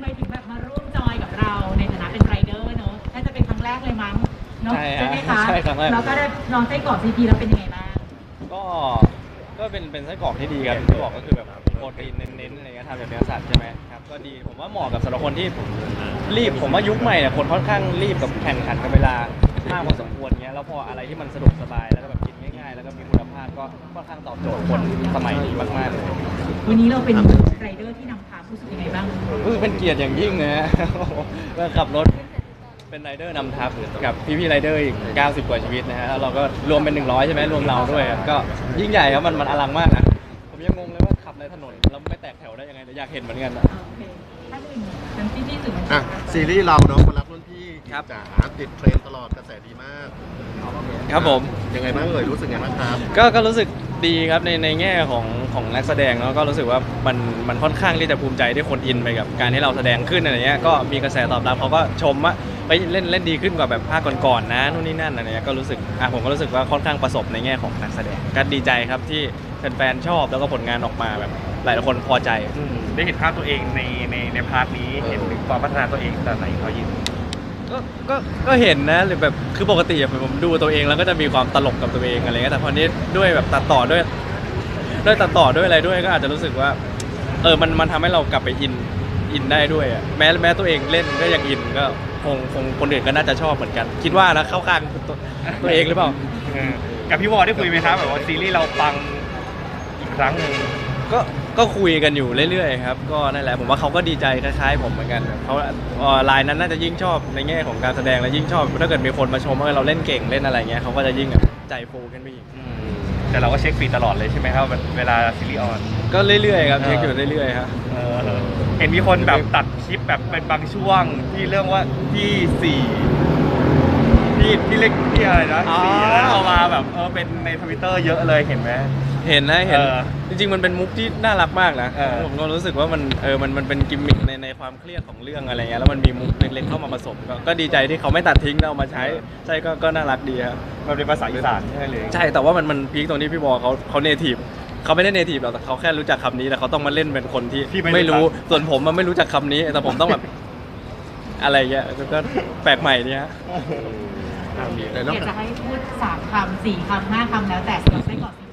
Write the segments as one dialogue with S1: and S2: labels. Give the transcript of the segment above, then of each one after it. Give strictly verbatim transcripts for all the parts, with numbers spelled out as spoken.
S1: ไมถึงแบบมาร่วมจอยกับเราในฐานะเป็นไรเดอร์เนอะน่าจะเป็นครั้งแรกเลยมั้งเนาะใช่ไหมคะ
S2: ใช่ครั้งแรก
S1: เราก็ได้ลองไส้กรอกซีพีแล้วเป็นยังไงบ้าง
S2: ก็ก็เป็นเป็นไส้กรอกที่ดีครับที่บอกก็คือแบบโปรตีนเน้นๆอะไรเงี้ยทำจากเนื้อสัตว์ใช่ไหมครับก็ดีผมว่าเหมาะกับสำหรับคนที่รีบผมว่ายุคใหม่เนี่ยคนค่อนข้างรีบกับแข่งขันกับเวลามากพอสมควรเงี้ยแล้วพออะไรที่มันสะดวกสบายแล้วก็แบบกินง่ายๆแล้วก็มีคุณภาพก็ค่อนข้างตอบโจทย์คนสมัยนี้มากๆเลย
S1: วันนี้เราเป็นไรเดอร์ที่นำพารู้สึกยังไงบ้าง
S2: รู้สึกเป็นเกียรติอย่างยิ่งนะฮะว่าขับรถเป็นไรเดอร์นำทัพกับพี่ๆไรเดอร์อีกเก้าสิบกว่าชีวิตนะฮะแล้วเราก็รวมเป็นหนึ่งร้อยใช่ไหมรวมเราด้วยก็ยิ่งใหญ่ครับมันมันอลังมากนะผมยังงงเลยว่าขับในถนนแล้วไม่แตกแถวได้ยังไงแต่อยากเห็นเหมือนกันนะ
S1: โอเคถ้าหนึ่งเป็นพี่ที่สุด
S3: อ่ะซีรีส์เราเนาะมารับรุ่นพี่จ๋าติดเทรนตลอดกระแสดีมาก
S2: ครับผม
S3: ยังไงบ้างเอ่ยรู้สึกไงบ้างครับ
S2: ก็ก็รู้สึกดีครับในในแง่ของของนักแสดงเนาะก็รู้สึกว่ามันมันค่อนข้างที่จะภูมิใจที่คนอินไปกับการที่เราแสดงขึ้นอะไรเงี้ยก็มีกระแสตอบรับเขาก็ชมว่าไปเล่นเล่นดีขึ้นกว่าแบบภาคก่อนๆนะนู่นนี่นั่นอะไรเงี้ยก็รู้สึกอ่ะผมก็รู้สึกว่าค่อนข้างประสบในแง่ของนักแสดงก็ดีใจครับที่แฟนๆชอบแล้วก็ผลงานออกมาแบบหลายคนพอใจ
S4: ได้เห็นภาพตัวเองในในในพาร์ทนี้เห็นถึงความพัฒนาตัวเองแต่ไหนเขายิน
S2: ก็ก็ก็เห็นนะหรือแบบคือปกติผมดูตัวเองแล้วก็จะมีความตลกกับตัวเองอะไรเงี้ยแต่พอนี้ด้วยแบบตัดต่อด้วยด้วยตัดต่อด้วยอะไรด้วยก็อาจจะรู้สึกว่าเออมันมันทำให้เรากลับไปอินอินได้ด้วยอ่ะแม้แม้ตัวเองเล่นก็ยังอินก็คงคงคนอื่นก็น่าจะชอบเหมือนกันคิดว่านะเข้าข้างตัวตัวเองหรือเปล่า
S4: กับพี่วอได้คุยไหมครับแบบว่าซีรีส์เราปังอีกครั้งหนึ่ง
S2: ก็ก็คุยกันอยู่เรื่อยๆครับก็นั่นแหละผมว่าเขาก็ดีใจคล้ายๆผมเหมือนกันเขาไลน์นั้นน่าจะยิ่งชอบในแง่ของการแสดงและยิ่งชอบถ้าเกิดมีคนมาชมว่าเราเล่นเก่งเล่นอะไรเงี้ยเขาก็จะยิ่งใจฟูขึ้นไปอีก
S4: แต่เราก็เช็คฟีดตลอดเลยใช่ไหมครับเวลาซีรีส์ออน
S2: ก็เรื่อยๆครับเช็คอยู่เรื่อยๆครับ
S4: เห็นมีคนแบบตัดคลิปแบบเป็นบางช่วงที่เรื่องว่าที่สี่ที่ที่เล็กที่อะไรนะสี่แล้วเอามาแบบเออเป็นในทวิตเตอร์เยอะเลยเห็นไหม
S2: เห็นนะเห็นจริงๆมันเป็นมุกที่น่ารักมากนะผมก็รู้สึกว่ามันเออมันมันเป็นกิมมิคในในความเครียดของเรื่องอะไรเงี้ยแล้วมันมีมุกเล็กๆเข้ามาผสมก็ดีใจที่เขาไม่ตัดทิ้งแล้วเอามาใช้ใช่ก็ก็น่ารักดีครับ
S4: มันเป็นภาษาอีสานใช่เลย
S2: ใช่แต่ว่ามันมันพีคตรงที่พี่บอเขาเขาเนทีฟเขาไม่ได้เนทีฟหรอกแต่เขาแค่รู้จักคำนี้แต่เขาต้องมาเล่นเป็นคนที่ไม่รู้ส่วนผมมันไม่รู้จักคำนี้แต่ผมต้องแบบอะไรเงี้ยก็แปลกใหม่เนี่ย
S1: อยากจะให้พูดสามคำสี่คำห้าคำแล้วแต่สำหรับไส้กรอก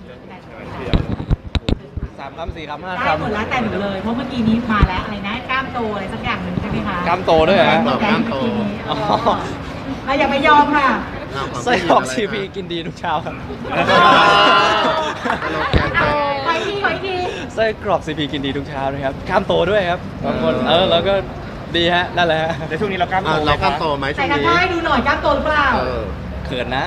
S2: สามคำสี่คำห้าคำ
S1: ได้หมดแล้วแต่หนูเลยเพราะเมื่อกี้นี้มาแล้วอะไรนะกล้ามโตอะไรสักอย่างหนึ่งใช่ไหมคะ
S2: กล้ามโตด้วยฮะ
S3: กล้ามโต
S1: เราอย่าไปยอมค่ะ
S2: ไส้กรอกซีพีกินดีทุกเช้าครับ
S1: ไปทีไปที
S2: ไส้กรอกซีพีกินดีทุกเช้านะครับกล้ามโตด้วยครับบางคนเออแล้วก็ดีฮะนั่นแหละฮะ
S4: ในช่วงนี้เรากล้ามโต
S3: เรากล้ามโตไหมช่วงนี้
S1: ใส่กระทะให้ดูหน่อยกล้ามโตหรือเปล่า
S2: เขินนะ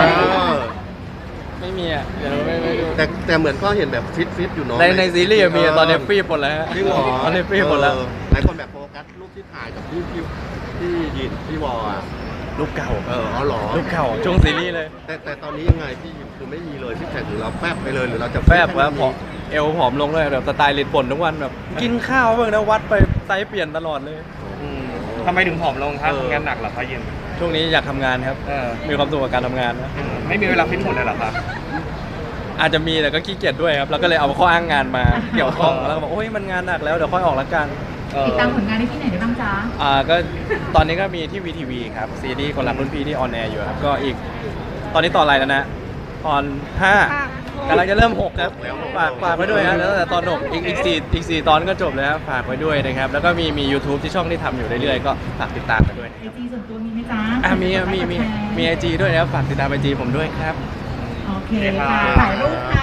S2: ไม่มีอ่ะเดี๋ยวไม่ไม่ดู
S3: แต่แต่เหมือนก็เห็นแบบฟิตฟิตอยู่เนาะ
S2: ในในซีรีส์มีตอนนี้ฟีบหมดแล้วฮะ
S3: พี่วอ
S2: ตอนนี้ฟีบหมดแล้ว
S3: หลายคนแบบโฟกัสรูปที่ถ่ายกับพี่พี่พี่ยินพี่วออ่ะ
S2: รูปเก่า
S3: เอออ๋อหรอ
S2: รูปเก่าช่วงซีรีส์เลย
S3: แต่แต่ตอนนี้ยังไงพี่ยินคือไม่มีเลยที่แข่งหรือเราแฟบไปเลยหรือเราจะ
S2: แฟบแล้วผอมเอวผอมลงเลยแบบสไตล์ลิดป่นทุกวันแบบกินข้าวบ้างนะวัดไปไซส์เปลี่ยนตลอดเลย
S4: ทำไมถึงผอมลงครับงานหนักเหรอคะยิน
S2: ช่วงนี้อยากทำงานครับมีความสุขกับการทำงานนะ
S4: ไม่มีเวลาฟิตหุ่นเลยเหรอครับ
S2: อาจจะมีแต่ก็ขี้เกียจด้วยครับแล้วก็เลยเอาข้ออ้างงานมาเกี่ยวข้องแล้วก็บอกโอ้ยมันงานหนักแล้วเดี๋ยวค่อยออกละกัน
S1: ติดตามผลงานได้ที่ไหนได้บ้างจ๊ะ
S2: อ่าก็ตอนนี้ก็มีที่วีทีวีครับซีรีส์คนรักรุ่นพี่ที่ออนแอร์อยู่ครับก็อีกตอนนี้ตอนอะไรแล้วนะตอนห้ากำลังจะเริ่มหกครับฝากฝากไว้ด้วยนะแล้วแต่ตอนหกอีกอีกสี่อีกสี่ตอนก็จบแล้วฝากไว้ด้วยนะครับแล้วก็มีมี YouTube ที่ช่องที่ทำอยู่เรื่อยๆก็ฝากติดตามกันด้วย
S1: ไอจีส่วนตัวมีไหมจ๊ะ
S2: อ่ามีมีมีมีไอจีด้วยนะครับฝากติดตามไอจีผมด้วยครับ
S1: โอเคค่ะถ่ายรูปค่ะ